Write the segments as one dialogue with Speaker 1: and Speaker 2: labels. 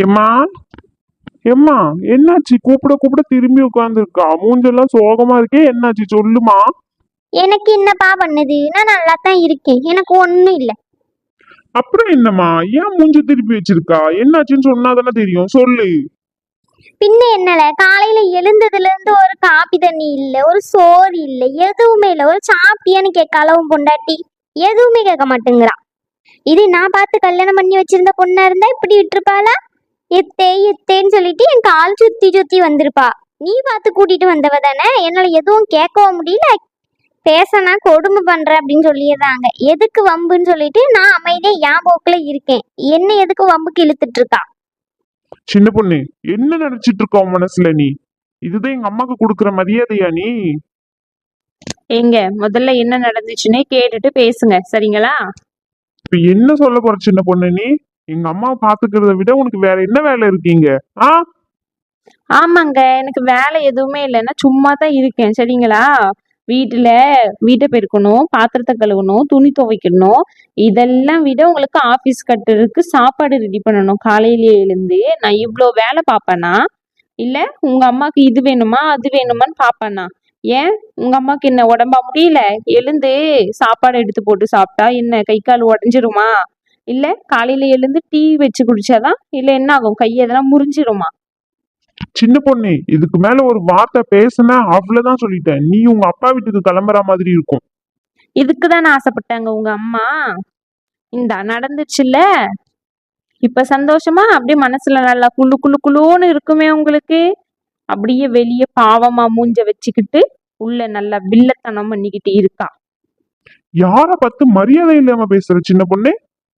Speaker 1: எம்மா எம்மா, என்னாச்சு? கூப்பிட கூப்பிட திரும்பி உட்கார்ந்துருக்கா. மூஞ்செல்லாம் சோகமா இருக்கே, என்னாச்சு சொல்லுமா.
Speaker 2: எனக்கு என்னப்பா பண்ணுது? நான் நல்லா தான் இருக்கேன், எனக்கு ஒண்ணும் இல்ல.
Speaker 1: அப்புறம் என்னம்மா, ஏன் மூஞ்ச திருப்பி வச்சிருக்கா? என்னாச்சுன்னு சொன்னாதானே தெரியும், சொல்லு.
Speaker 2: பின்ன என்னல, காலையில எழுந்ததுல இருந்து ஒரு காப்பி தண்ணி இல்ல, ஒரு சோறு இல்ல, எதுவுமே இல்ல. ஒரு சாப்பிட்டியான்னு கேட்காலவும் பொண்டாட்டி எதுவுமே கேட்க மாட்டேங்கிறா. இது நான் பார்த்து கல்யாணம் பண்ணி வச்சிருந்த பொண்ணா இருந்தா இப்படி விட்டுருப்பாளா? எத்தே எத்தேன்னு சொல்லிட்டு என் கால் சுத்தி சுத்தி வந்திருப்பா. நீ பார்த்து கூட்டிட்டு வந்தவ தானே, என்னால எதுவும் கேட்கவும் முடியல. பேசனா கொடுமை பண்ற அப்படின்னு சொல்லிடுறாங்க. எதுக்கு வம்புன்னு சொல்லிட்டு நான் அமைதியா என் போக்குல இருக்கேன். என்ன எதுக்கு வம்புக்கு இழுத்துட்டு இருக்கா?
Speaker 1: சின்ன பொண்ணு, என்ன நினைச்சிட்டு இருக்க உன் மனசுல நீ? இதுதான் எங்க அம்மாக்கு கொடுக்குற மரியாதையா நீ?
Speaker 3: எங்க முதல்ல என்ன நடந்துச்சுன்னே கேட்டுட்டு பேசுங்க, சரிங்களா?
Speaker 1: இப்ப என்ன சொல்ல போற சின்ன பொண்ணு நீ? எங்க அம்மாவை பாத்துக்கிறத விட உனக்கு வேற என்ன வேலை இருக்கீங்க? ஆ,
Speaker 3: ஆமாங்க, எனக்கு வேலை எதுவுமே இல்லைன்னா சும்மா தான் இருக்கேன், சரிங்களா? வீட்டை பெருக்கணும், பாத்திரத்தை கழுவணும், துணி துவைக்கணும். இதெல்லாம் விட உங்களுக்கு ஆபீஸ் கட்டுறதுக்கு சாப்பாடு ரெடி பண்ணணும். காலையிலேயே எழுந்து நான் இவ்வளோ வேலை பார்ப்பேனா? இல்ல உங்க அம்மாக்கு இது வேணுமா அது வேணுமான்னு பாப்பேனா? ஏன் உங்க அம்மாக்கு என்ன உடம்பா முடியல? எழுந்து சாப்பாடு எடுத்து போட்டு சாப்பிட்டா என்ன கை கால் உடஞ்சிருமா? இல்ல காலையில எழுந்து டீ வச்சு குடிச்சாதான் இல்ல என்ன ஆகும்? கை எதெல்லாம் முறிஞ்சிருமா?
Speaker 1: சின்ன பொண்ணு, இதுக்கு மேல ஒரு வார்த்தை பேசுன அவ்வளவுதான் சொல்லிட்டேன். நீ உங்க அப்பா வீட்டுக்கு கிளம்புற மாதிரி இருக்கும்.
Speaker 3: இதுக்குதான் ஆசைப்பட்டாங்க உங்க அம்மா. இந்த நடந்துச்சுல்ல, இப்ப சந்தோஷமா அப்படியே மனசுல நல்லா குளு குளு குளுன்னு இருக்குமே உங்களுக்கு. அப்படியே வெளியே பாவமா மூஞ்ச வச்சுக்கிட்டு உள்ள நல்லா வில்லத்தனம் பண்ணிக்கிட்டு இருக்கா.
Speaker 1: யார பார்த்து மரியாதை இல்லாம பேசுற சின்ன பொண்ணு?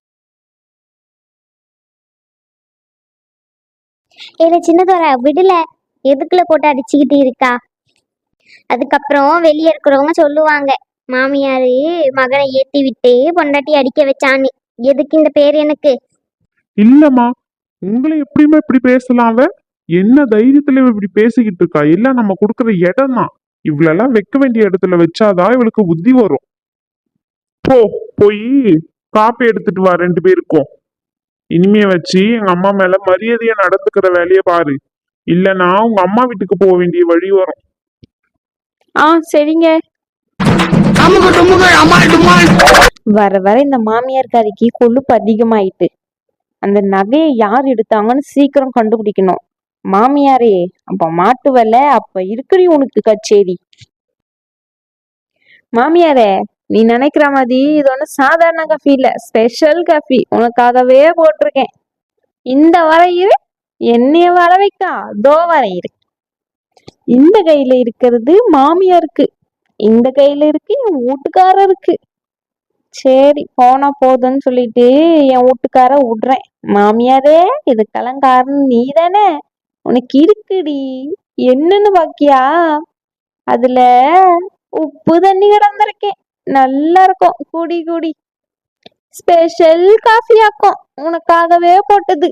Speaker 2: ஏல சின்னதோர விடல, எதுக்குள்ள போட்டு அடிச்சுக்கிட்டு இருக்கா? அதுக்கப்புறம் வெளியே இருக்கிறவங்க சொல்லுவாங்க, மாமியாரு மகனை ஏத்தி விட்டு பொண்டாட்டி அடிக்க வச்சான்னு. எதுக்கு இந்த பேர் எனக்கு?
Speaker 1: இல்லம்மா, உங்களை எப்படியுமே இப்படி பேசலாம் அவ? என்ன தைரியத்துல இவ இப்படி பேசிக்கிட்டு இருக்கா? எல்லாம் நம்ம கொடுக்குற இடம் தான். இவ்வளெல்லாம் வைக்க வேண்டிய இடத்துல வச்சாதான் இவளுக்கு புத்தி வரும். போ, போய் காப்பி எடுத்துட்டு வா ரெண்டு பேருக்கும். இனிமே வச்சு எங்க அம்மா மேல மரியாதையா நடந்துக்கிற வேலைய பாரு. இல்லனா உங்க அம்மா வீட்டுக்கு போக வேண்டிய வழி வரும்.
Speaker 3: சரிங்க. வர வர இந்த மாமியார்காரிக்கு கொழுப்பு அதிகமாயிட்டு. அந்த நகையை யார் எடுத்தாங்கன்னு சீக்கிரம் கண்டுபிடிக்கணும். மாமியாரே, அப்ப மாட்டுவல, அப்ப இருக்கிறி உனக்கு கச்சேரி. மாமியாரே, நீ நினைக்கிற மாதிரி இது ஒண்ணு சாதாரண காஃபி இல்ல, ஸ்பெஷல் காஃபி. உனக்காகவே போட்டிருக்கேன். இந்த வரையிரு, என்னைய வர வைக்கா, தோ வரையிரு. இந்த கையில இருக்கிறது மாமியாருக்கு, இந்த கையில இருக்கு என் வீட்டுக்காரருக்கு. சரி, போனா போதுன்னு சொல்லிட்டு என் வீட்டுக்கார விடுறேன். மாமியாரே, இது கலங்காரன்னு நீ தானே? உனக்கு இருக்குடி, என்னன்னு பாக்கியா? அதுல உப்பு தண்ணி கிடந்திருக்கேன், நல்லா இருக்கும், குடி குடி. ஸ்பெஷல் காஃபி ஆக்கும், உனக்காகவே போட்டது.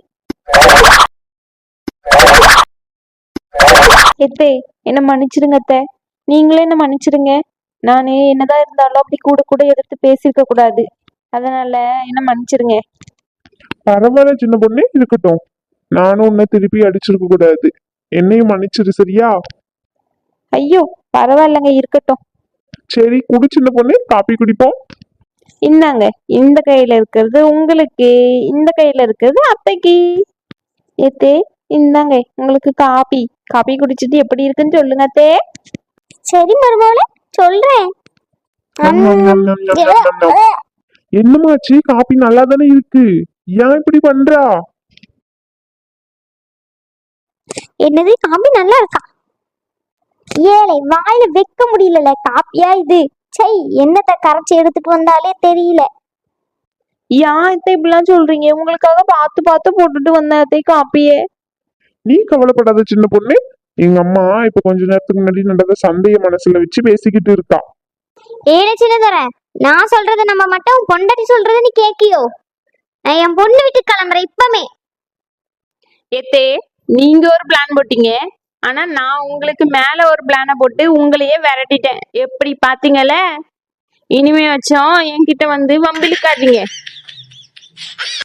Speaker 3: எத்தே, என்ன மன்னிச்சிருங்க அத்தை. நீங்களே என்ன மன்னிச்சிருங்க. நானு என்னதான் இருந்தாலும் அப்படி கூட கூட எதிர்த்து பேசியிருக்க கூடாது. அதனால என்ன மன்னிச்சிருங்க.
Speaker 1: பரவாயில்ல சின்ன பொண்ணு, இருக்கட்டும். நானும் உன்னை திருப்பி அடிச்சிருக்க கூடாது. என்னையும் மன்னிச்சிரு, சரியா?
Speaker 3: ஐயோ, பரவாயில்லங்க, இருக்கட்டும்.
Speaker 1: சரி, குடி சின்ன பொண்ணு, காப்பி குடிப்போம்.
Speaker 3: இந்தாங்க, இந்த கையில இருக்கிறது உங்களுக்கு, இந்த கையில இருக்கிறது அத்தைக்கு. ஏத்தே, இந்தாங்க உங்களுக்கு காப்பி. காப்பி குடிச்சிட்டு எப்படி இருக்குன்னு சொல்லுங்க அத்தே.
Speaker 2: சரி மருமகளே, சொல்றேன்.
Speaker 1: என்னமாச்சு? காப்பி நல்லா தானே இருக்கு, ஏன் இப்படி பண்றா?
Speaker 2: என்னது, காப்பி நல்லா இருக்கா? ஏழை வாயில வைக்க முடியல, காப்பியா இது? சை, என்னத்தை கரைச்சி எடுத்துட்டு வந்தாலே தெரியல.
Speaker 3: ஏன் அத்தை இப்படிலாம் சொல்றீங்க? உங்களுக்காக பார்த்து பார்த்து போட்டுட்டு வந்த அத்தை காப்பியே.
Speaker 1: நீ கவலைப்படாத சின்ன பொண்ணு. எங்க அம்மா இப்ப கொஞ்ச நேரத்துக்கு முன்னாடி நடந்த சண்டைய மனசுல வச்சு பேசிக்கிட்டு இருக்கா.
Speaker 2: ஏழை சின்னதர, நான் சொல்றது நம்ம மட்டும் பொண்டாட்டி சொல்றது நீ கேக்கியோ? நான் என் பொண்ணு வீட்டுக்கு கிளம்புறேன் இப்பமே.
Speaker 3: ஏத்தே, நீங்க ஒரு பிளான் போட்டீங்க, ஆனா நான் உங்களுக்கு மேல ஒரு பிளான போட்டு உங்களையே விரட்டிட்டேன். எப்படி பாத்தீங்கல்ல? இனிமே வச்சோம் என்கிட்ட வந்து வம்பிழுக்காதீங்க.